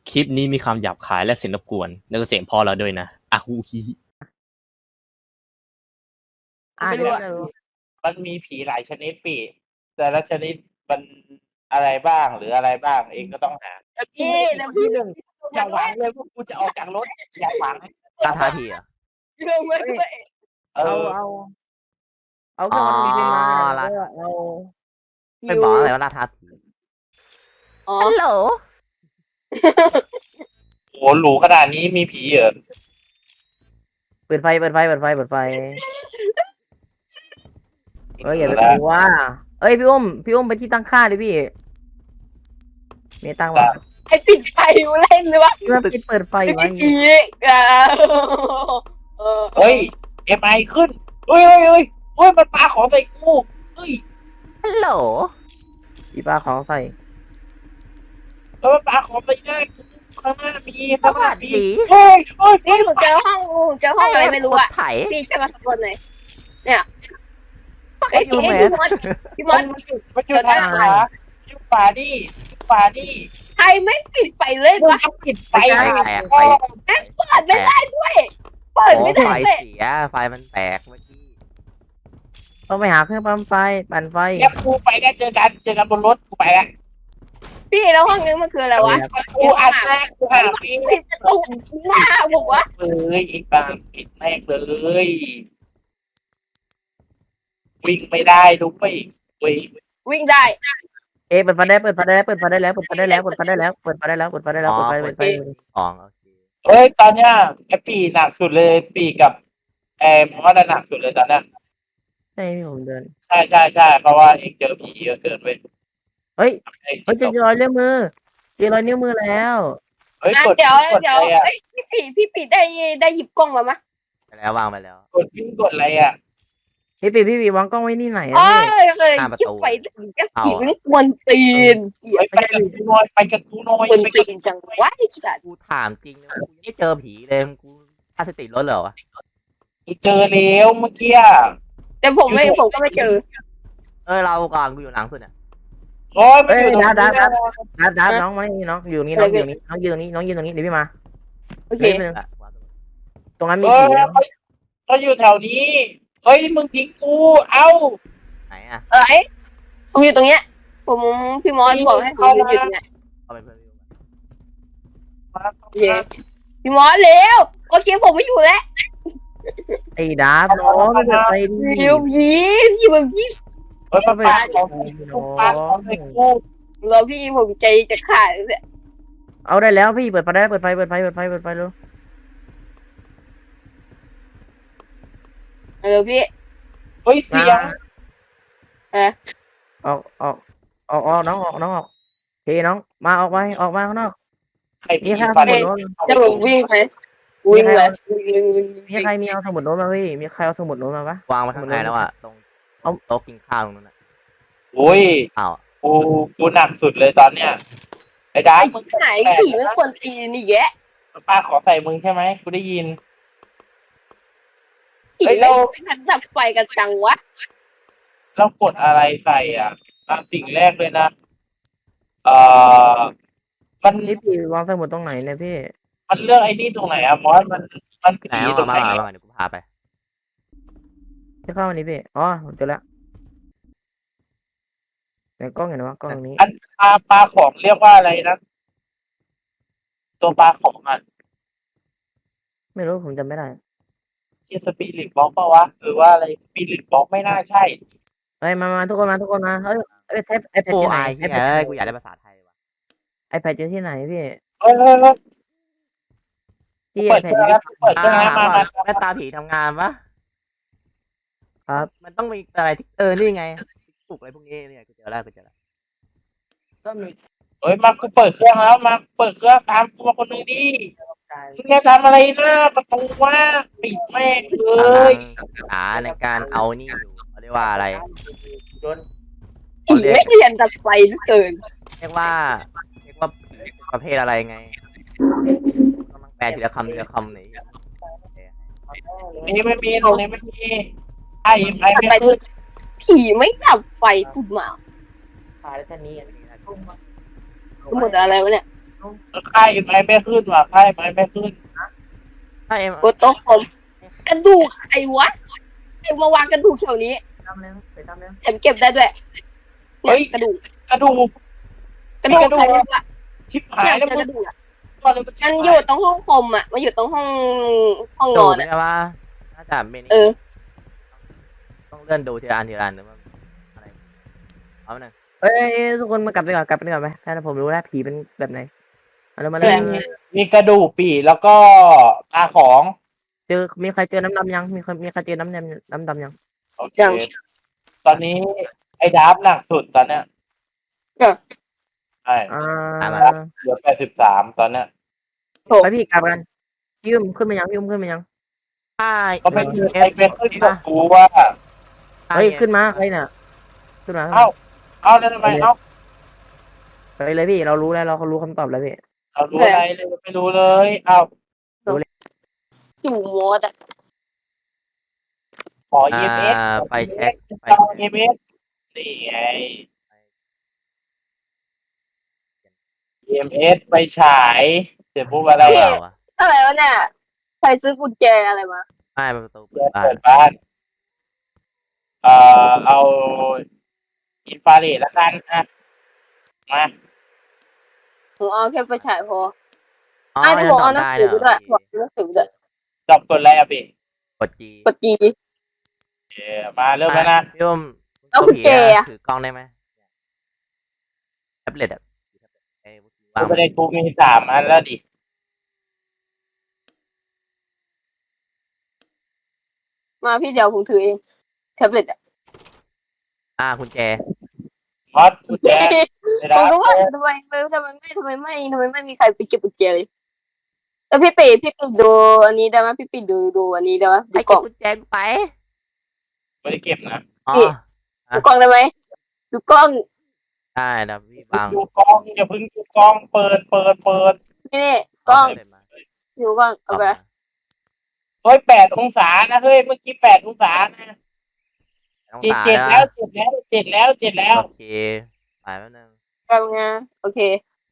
คลิปนี้มีคำหยาบคายและเสียงรบกวนแล้วก็เสียงพอเราด้วยนะอะฮูฮีไม่รู้อะมันมีผีหลายชนิดปีแต่ละชนิดมันอะไรบ้างหรืออะไรบ้างเองก็ต้องหาแล้วพี่หนึ่งอย่าหวังเลยว่ากูจะออกจากรถอย่าหวังล่าท้าผีเหรอ่ะลงมาด้วยเออเอาเครื่องวัดอุณหภูมิมาล่าเอาไม่บอกอะไรว่าล่าท้าผีอ๋อฮัลโหลโหหรูขนาดนี้มีผีเหรอเปิดไฟอย่าไปกลัวเอ้ยพี่อุ้มไปที่ตั้งค่าดิพี่มีตั้งวะไอปิดไฟมาเล่นเลยวะพี่ว่าพี่เปิดไฟไว้อีกเฮ้ยเอ็มไอขึ้นเฮ้ยมันปาของใส่กูเฮ้ยฮัลโหลพี่ป้าของใส่แล้วมันปาของใส่หน้ากูข้างหน้ามีสข้างหวัน้าสมีดีเฮ้ยนี่ผมเจอห้องอะไรไม่รู้อะไถพี่จะมาสะกดหน่อยเนี่ยไอ้พี่มอสมันอยู่ทางขวาอยู่ฝาดิใครไม่ปิดไฟเลยมึงวะจะปิดไฟไฟแตกไฟเปิดไม่ได้ด้วยเปิดโอ้ไม่ไฟได้เลยเสียไฟมันแตกเมื่อกี้ต้องไปหาเครื่องปั๊มไฟปั่นไฟเนี่ยกูไปได้เจอกันบนรถกูไปแล้วพี่แล้วห้องนี้มันคืออะไรวะกูอัดแรกกูหาปีปิดประตูหน้าบอกว่าเลยอีกบางปิดแม่งเลยวิ่งไม่ได้ดูไปวิ่งได้เปิดไฟได้แล้วอ๋องโอเคเฮ้ยตอนเนี้ยไอ้ปีหนักสุดเลยปีกับมอสหนักสุดเลยตอนเนี้ยใช่พี่ผมเดินใช่เพราะว่าเองเจอผีเยอะเกินเว้ยเฮ้ยเจอรอยนิ้วมือแล้วเฮ้ยกดเดี๋ยวอะไรอ่ะพี่ปีได้หยิบกล้องมาไหมไปแล้ววางไปแล้วกดอะไรอ่ะพี่ปีวางกล้องไว้นี่ไหนอ๋อเลยคิดไปถึงจะผีมันกวนตีนไปกับกูน้อยกวนตีนจังวะไอ้สัตว์กูถามจริงนะกูยังไม่เจอผีเลยกูค่าสติลดเหรอวะกูเจอแล้วเมื่อกี้แต่ผมก็ไม่เจอเราก่อนกูอยู่หลังสุดเนี่ยโอ้ยไม่อยู่ตรงนี้ดับน้องมานี่น้องอยู่นี่น้องยืนตรงนี้เดี๋ยวพี่มาโอเคตรงนั้นมีเอผีอเขาอยู่แถวนี้เฮ้ยมึงทิ้งกูเอ้าไหนอ่ะผมอยู่ตรงเนี้ยผมพี่มอสบอกให้ผมหยุดเนี่ยเอาเป็นเพื่อนพี่พี่มอสเร็วโอเคผมไม่อยู่แล้วไอ้ดับน้องไม่เปิดไฟดิเร็วพี่แบบพี่เฮ้ยปาของใส่กูรอพี่ผมใจจะขาดเลยเอาได้แล้วพี่เปิดไฟได้เปิดไฟเลยเร็วพี่เฮ้ยเสียงออกน้องออกเฮ้น้องมาออกมาข้างนอกใครมีมีใครฟัเอานสมุดโน้ตจะผมวิ่งไปวิ่งเลยมีใครมีเอาสมุดโน้ตมาพี่มีใครเอาสมุดโน้ตมาปะวางไว้ข้างในแล้วอ่ะตรงโต๊ะกินข้าวตรงนั้นอ่ะโอ้ยอ้าวกูหนักสุดเลยตอนเนี้ยไอ้ดาไอ้ไหนผีมันควรตีนี่แยะป้าขอใส่มึงใช่ไหมกูได้ยินผีเราทันดับไฟกันจังวะเรากดอะไรใส่อ่ะสิ่งแรกเลยนะมันนี่พี่วางสมุดตรงไหนเนี่ยพี่มันเลือกไอ้นี่ตรงไหนอะมอสมันไหนผีตรงไหนมาเดี๋ยวกูพาไปจะเข้าวันนี้พี่อ๋อผมเจอแล้วในกล้องเห็นไหมกล้องนี้อันปลาของเรียกว่าอะไรนะตัวปลาของอ่ะไม่รู้ผมจำไม่ได้ที่สปิริตบล็อกป่าวะหรือว่าอะไรสปิริตบล็อกไม่น่าใช่เฮ้ยมาทุกคนมาเฮ้ยไอแพดโอ้ที่ไหนไอ้ไอแพเฮ้ดยกูอยากได้ภาษาไทยว่ะไอแพดอยู่ที่ไหนพี่เฮ้ยที่เปิไอดแพเคดรื่องแล้วเปิดเครื่องแล้วมาแม่ตาผีทำงานปะครับมันต้องมีอะไรที่นี่ไงปลุกอะไรพวกนี้เนี่ยกูเจอแล้วก็มีเฮ้ยมากูเปิดเครื่องแล้วมาเปิดเครื่องตามกูมาคนนึงดิมึงจะทำอะไรหน้าประตูว่าปิดแม่งเลกำลัยงศึกษาในการเอานี่อยู่เขาเรียกว่าอะไรผีไม่เรียนดับไฟเหลือเกินเรียกว่าผีประเภทอะไรไงต้องแปลทีละคำหน่อยนี่ไม่มีตรงนี้ไม่มีไอ้ไม่ดับไฟผีไม่ดับไฟปุ๊บมาขายแค่นี้หมดอะไรวะเนี่ยค่ายไม้ไม่ขึ้นว่ะค่ายไม้ไม่ขึ้นถ้าเอ็มกดโต๊ะคอมกระดูกไอ้วะไอ้มาวางกระดูกแถวนี้ทำเลยไปทำเลยแถมเก็บได้ด้วยเนี่ยกระดูกกระดูกกระดูกใครไม่รู้อะชิบหาเนี่ย ยแล้วเจอกระดูกอะมันชิบมันหาอยู่ตรงห้องคอมอะมันอยู่ตรงห้องนดูอนไม่อะใช่ว่าน่าจะเมนเออต้องเลื่อนดูทีละอันทีละอันหรือว่าอะไรเอาหนึ่งเอ้ยทุกคนมากลับไปก่อนกลับไปก่อนไหมถ้าผมรู้แล้วผีเป็นแบบไหนมาเลยมาเลยมีกระดูกปีแล้วก็ตาของเจอมีใครเจอน้ำดำยังมีใครเจอน้ำดำยังโอเคตอนนี้ไอ้ดาบหนักสุดตอนเนี้ยใช่อ่าเหลือ83ตอนเนี้ยไปพี่กลับกันพี่อุ้มขึ้นมายังพี่อุ้มขึ้นมายังถ้าก็ไม่มีใครไปขึ้นกับกูว่าเฮ้ยขึ้นมาใครน่ะขึ้นมาเอ้าแล้วทำไมเอ้าไปเลยพี่เรารู้แล้วเรารู้คำตอบแล้วพี่เรารู้อะไรเลยไม่รู้เลยเอ้าอยู่โมดอะขอ EMS ไปเช็คไปต้อง EMS นี่ไง EMS ไปฉายเสร็จปุ๊บอะไรเราอะอะไรวะเนี่ยใครซื้อกุญแจอะไรมาไม่ประตูเปิเปิดดบ้านบ้านเอาอินฟราเรดละกันอ่ะมาผมเอาแค่ไปฉายพออ๋อไอ้ที่ยังบอกตอเอาบหนังได้สืเลอย ไปด้วยบอกหนังสือไปด้วยจบกดอะไรอ่ะพี่กดจีกดจีมาเริ่มแล้วนะพี่อุ้มแล้วกุญแจอะถือกล้องได้ไหมแท็บเล็ตอะวากูงไม่ได้กูมี3 อันแล้วดิมาพี่เดี๋ยวผมถือเองแท็บเล็ตอะกุญแจฮอตกูแจไม่ผได้มก็ว่าทำไมไม่มีใครไปเก็บกุญแจเลยแล้วพี่ปีดูอันนี้ได้ไหมพี่ปีดูอันนี้ได้ไหมดูให้กล่เก็บองกุญแจกูไปไม่ได้เก็บนะอ๋อดูกล้องได้ไหมดูกล้องได้นะพี่วางดูกล้องอย่าเพิ่งดูกล้องเปิดนี่กล้องเาเสร็จมาดูกล้องเอาไปเฮ้ย8 องศานะเฮ้ยเมื่อกี้8 องศานะต้องเจ็ดตาเจ็ดนะแล้วเจ็ดแล้วโอเคไปแป๊บนึงกล้องไงโอเค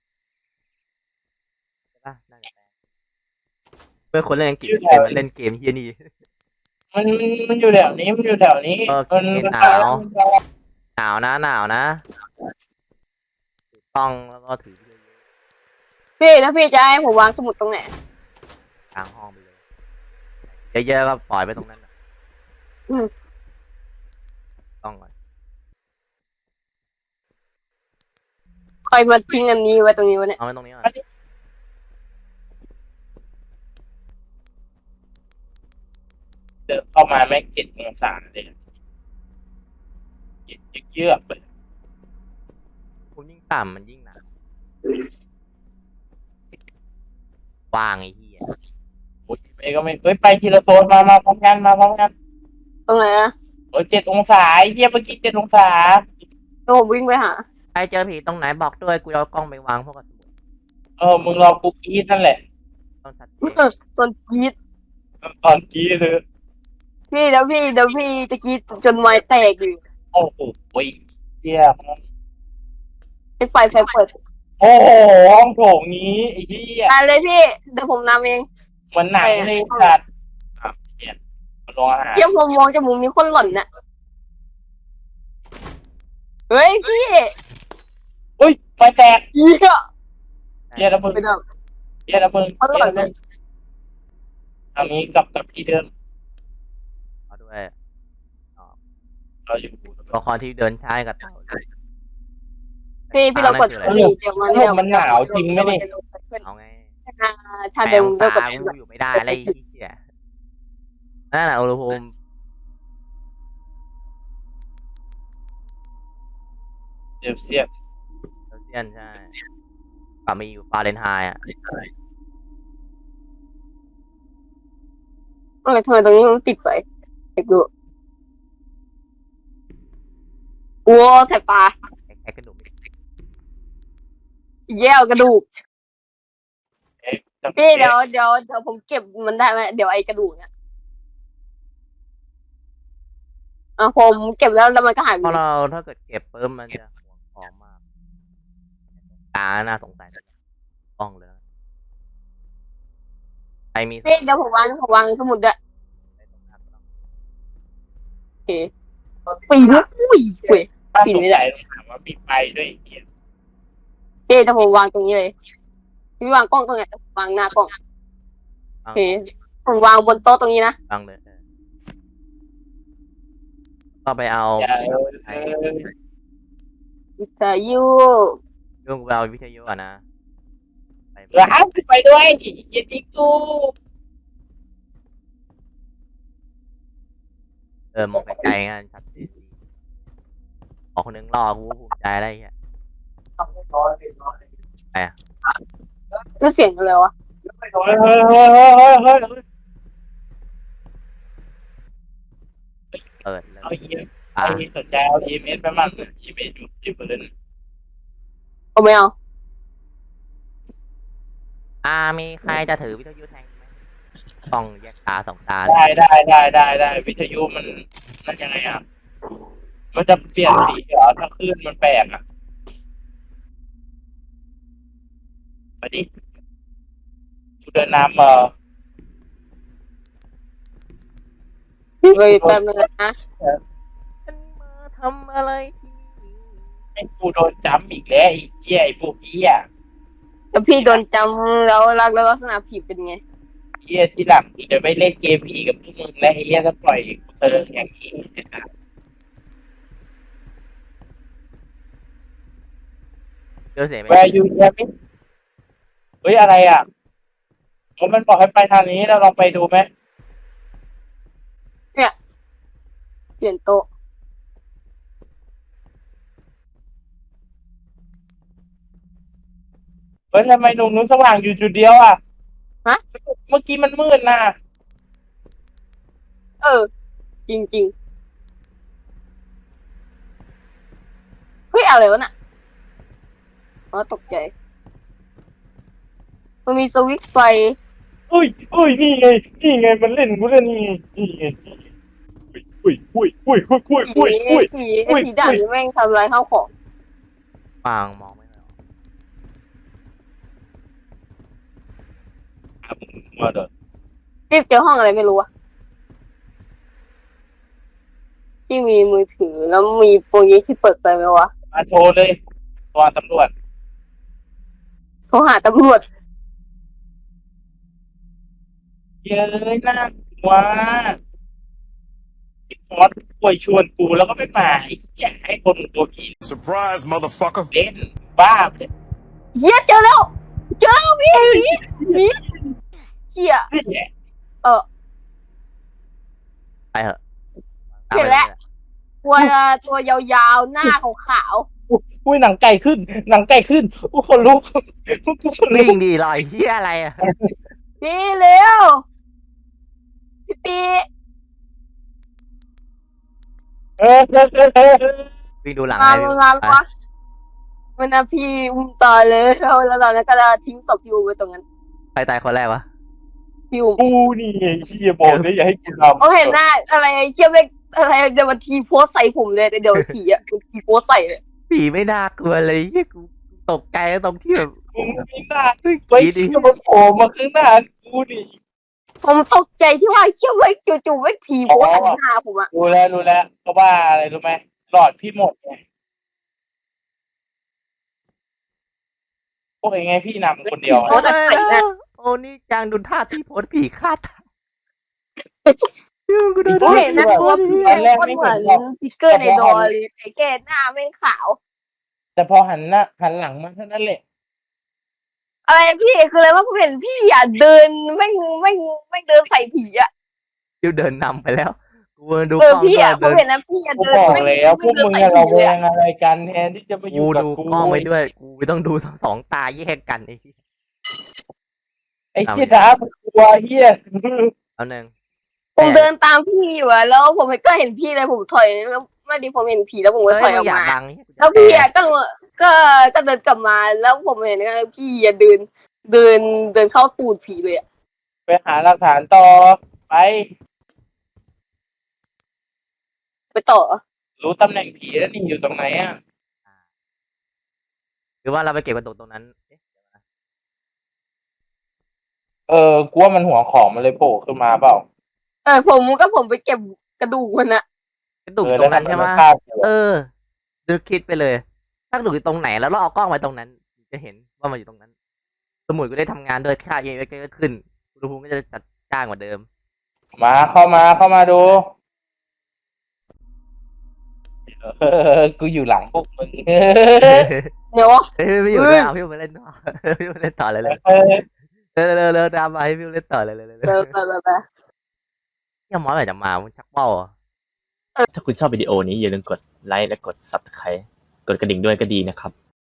ใช่ปะนั่นแหละเพื่อคนเล่นอังกฤษใครมาเล่นเกมเฮียนี่มันอยู่แถวนี้มันอยู่แถวนี้โอเคมันหนาว หนาวนะถือกล้องแล้วก็ถือพี่ถ้าพี่จะให้ผมวางสมุดตรงไหนกลางห้องไปเลยเยอะๆก็ปล่อยไปตรงนั้นน่ะกล้องก่อนใครมาทิ้งอันนี้ไว้ตรงนี้วะเนี่ยเอาไว้ตรงนี้ก่อนเดินเข้ามาแม่ง7 องศาเลยเยือกเลยคุณยิ่งต่ำมันยิ่งหนาววางไอ้เหี้ยโอ้ยไปก็ไม่เฮ้ยไปทีละโซนมาพร้อมกันตรงไหนอะโอ้ย7 องศาไอ้เหี้ยเมื่อกี้7 องศาเดี๋ยวผมวิ่งไปหาใครเจอผีตรงไหนบอกด้วยกูจะเอากล้องไปวางพวกกับสมุดมึงรอกูกรีดนั่นแหละต้องชัดเจนต้นกรีดตอนกรีดเลยพี่เดี๋ยวพี่จะกรีดจนไม้แตกอยู่โอ้โหเหี้ยไอ้ไฟเปิดโอ้โหห้องโถงนี้ไอ้เหี้ยได้เลยพี่เดี๋ยวผมนำเองเหมือนหนังเลยสัตว์เนี่ยมาลงอาหารเยี่ยมผมมองจมูกมีคนหล่อนน่ะเฮ้ยพี่อุ้ยไฟแตกเหี้ยเหี้ยแล้วมึงไปดับเหี้ยแล้วมึงคนหล่อนน่ะทางนี้กลับที่เดิมเอาด้วยเราอยู่ตัวละครที่เดินช้ากับเต่าพี่ลองกดสีเดี๋ยวมันมันหนาวจริงไหมนี่เอาไงถ้าเดิมแปก็ดกอดงศากูอยู่ไม่ได้อะไรอีกเหี้ยนั่นแหละอุณหภูมิเดี๋ยวเสียบเซลเซียสใช่กว่ามีอยู่ฟาเรนไฮต์อ่ะอะไรทำไมตรงนี้มันติดไฟเด็กดูโอ้แสบตาแค่กระดูกแย่กระดูกจับพี่เดี๋ยวผมเก็บมันได้ไหมเดี๋ยวไอ้กระดูกเนี่ยผมเก็บแล้วมันก็หายไปเพราะเราถ้าเกิดเก็บปุ๊บมันจะห่วงของมากตาน่าสงสัยกล้องเลยนะใครมีพี่เดี๋ยวผมวางสมุดด้วยโอเคปีนอุ้ยเว้ยถ้าปิดสงไม่ได้สัยต้องถามว่ามีไฟด้วยไอ้เหี้ยเดี๋ยวผมวางตรงนี้เลยพี่วางกล้องตรงไหนวางหน้ากล้องโอเคผมวางบนโต๊ะตรงนี้นะฟังเลยก็ไปเอาอย่าวิทยุเรื่องกูไปเอาวิทยุอ่ะนะไปร้านไปด้วยอย่าทิ้งกูมองไกลๆงั้นชัดเจนดีขอคนนึงรอกูภูมิใจอะไรเงี้ยแล้วเสียงอะไรวะเฮ้ยเปิดเลยเอาเหี้ยอ่ะไอ้สนใจเอา EMS ไปมั่ง EMS อยู่บนนั้นผมไม่เอามีใครจะถือวิทยุแทนไหมต้องแยกตาสองตาได้วิทยุมันนั่นยังไงอ่ะมันจะเปลี่ยนสีเหรอถ้าคลื่นมันแปลกอ่ะมาดิกูเดินน้ำเว้ยแป๊บนึงนะฉันมาทำอะไรที่นี่ให้กูโดนจ้ำอีกแล้วไอ้เหี้ยไอ้พวกเหี้ยแล้วพี่โดนจำแล้วลักษณะผีเป็นไงเหี้ยที่หลังกูจะไม่เล่นเกมผีกับพวกมึงและไอ้เหี้ยถ้าปล่อยกูเจออย่างนี้เจอเสียงไหมแวร์ยูเนียมิเฮ้ยอะไรอ่ะมันบอกให้ไปทางนี้เราลองไปดูไหมเปลี่ยนโต๊ะเฮ้ยทำไมตรงนู้นสว่างอยู่จุดเดียวอ่ะเมื่อกี้มันมืดนะจริงๆเฮ้ยอะไรวะน่ะอ๋อตกใจมันมีสวิตช์ไฟอุ้ยนี่ไงมันเล่นกูเล่นนี่ไงอุ้ยผีด่างนี่แม่งทำลายข้าวของฟังมองไม่ออกมาเด้อรีบเจอห้องอะไรไม่รู้อะที่มีมือถือแล้วมีโปรเจคที่เปิดไปไหมวะมาโทรเลยตัวตำรวจโทรหาตำรวจเย้ยน่ากลัวไอ้พอดป่วยชวนกูแล้วก็ไม่มาไอ้เหี้ยให้คนตัวผี Surprise, motherfucker. เล่นบ้าเลยเฮียเจอแล้วพี่หนีเฮียเนี่ยไปเถอะเห็นแล้ว ตัวยาวๆหน้าขาวอุ้ยหนังไก่ขึ้นอู้คนลุกกูคนลุวิ่กงดีลอยเฮียอะไรอ่ะๆพี่เร็วพี่ปีวิ่งดูหลังมาให้มาวะมันนะพี่อุ้มตายเลยแล้วตอนนั้นก็จะทิ้งศพพี่อุ้มไว้ตรงนั้นใครตายคนแรกวะพี่อุ้มกูนี่ไงเฮียบอกเลยอย่าให้กูทำเขาเห็นหน้าอะไรเชี่ยเวกอะไรเดี๋ยวมันทีโพสใส่ผมเลยเดี๋ยวผีอ่ะมันทีโพสใส่เลยผีไม่น่ากลัวเลยเฮียกูตกใจตรงที่แบบมึงไม่น่าเฮ้ยไว้ผีดิที่มันโผล่มาข้างหน้ากูนี่ผมตกใจที่ว่าเชี่ยเวกจู่ๆเวกทีโพสใส่หน้าผมอ่ะรู้แล้วเพราะว่าอะไรรู้ไหมหลอดพี่หมดไงพวกไงพี่นำคนเดียวโพสแต่ใส่หน้าโอ้นี่จังดูท่าที่โพสผีฆ่าตายกูโดนผมเห็นนะตัวผีโคตรเหมือนสติ๊กเกอร์ในดอเลยแต่แค่หน้าแม่งขาวแต่พอหันหลังมาเท่านั้นแหละอะไรพี่คืออะไรว่าผมเห็นพี่อ่ะเดินไม่เดินใส่ผีอ่ะยูเดินนำไปแล้วกูดูเอก อล้องพี่ด้วยอ่ะผมเดินเห็นนะพี่อ่ะกูเดินบอกไม่แล้วพวกเดินมึงใส่จะผีระแวเลยงอะไรกันแทนที่จะมาอกูยู่กับดูกูกล้องไปด้วยกูต้องดูสองตาแยกกันไอ้ที่ไอ้เชี่ยดาบกลัวเฮียเอาหนึ่งผมเดินตามพี่อยู่อะแล้วผมก็เห็นพี่เลยผมถอยแล้วไม่ดีผมเห็นผีแล้วผมก็ถอยออกอยากมาดังแล้วพี่อะก็เดินกลับมาแล้วผมเห็นว่าพี่อะเดินเข้าตูดผีเลยอะไปหาหลักฐานต่อไปไปต่อรู้ตำแหน่งผีแล้วนี่อยู่ตรงไหนอ่ะหรือว่าเราไปเก็บกันตรงนั้นเอ๊ะกูว่ามันหัวของมันเลยโผล่ขึ้นมาเปล่าผมไปเก็บกระดูกมันอะกระดูกอยู่ตรงนั้นใช่ไหมแล้วทำไมมันฆ่ากูนึกคิดไปเลย ถ้ากระดูกอยู่ตรงไหนแล้วเราเอากล้องไว้ตรงนั้น จะเห็นว่ามันอยู่ตรงนั้น สมุดก็ได้ทำงานด้วยค่าเอเก็ขึ้นอุณหภูมิก็จะจัดจ้างกว่าเดิมมาเข้ามาดูกูอยู่หลังพวกมึงเดี๋ยววะเฮ้ยพี่อยู่ด้วยเอาพี่มาเล่นต่อพี่มาเล่นต่อเลยเร็วดราม่าให้พี่เล่นต่อเลยไปเนี่ยมอสอะไรจะมามึงชักเป้าถ้าคุณชอบวิดีโอนี้อย่าลืมกดไลค์และกด Subscribe กดกระดิ่งด้วยก็ดีนะครับ